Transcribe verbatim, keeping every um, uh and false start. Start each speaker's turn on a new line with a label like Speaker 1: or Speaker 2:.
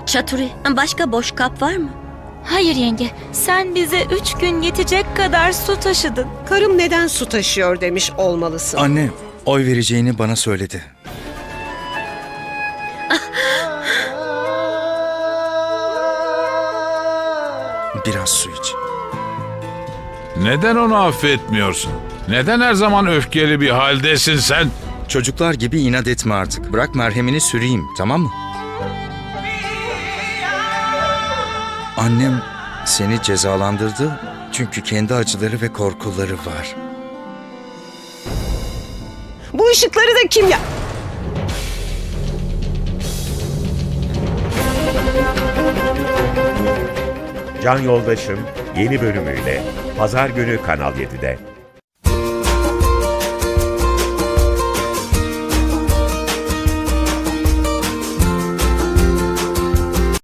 Speaker 1: Çaturi, başka boş kap var mı?
Speaker 2: Hayır yenge, sen bize üç gün yetecek kadar su taşıdın.
Speaker 3: Karım neden su taşıyor demiş olmalısın.
Speaker 4: Anne, oy vereceğini bana söyledi. Biraz su iç.
Speaker 5: Neden onu affetmiyorsun? Neden her zaman öfkeli bir haldesin sen?
Speaker 4: Çocuklar gibi inat etme artık. Bırak merhemini süreyim, tamam mı? Annem seni cezalandırdı çünkü kendi acıları ve korkuları var.
Speaker 3: Bu ışıkları da kim ya...
Speaker 6: Can Yoldaşım yeni bölümüyle Pazar günü Kanal yedide.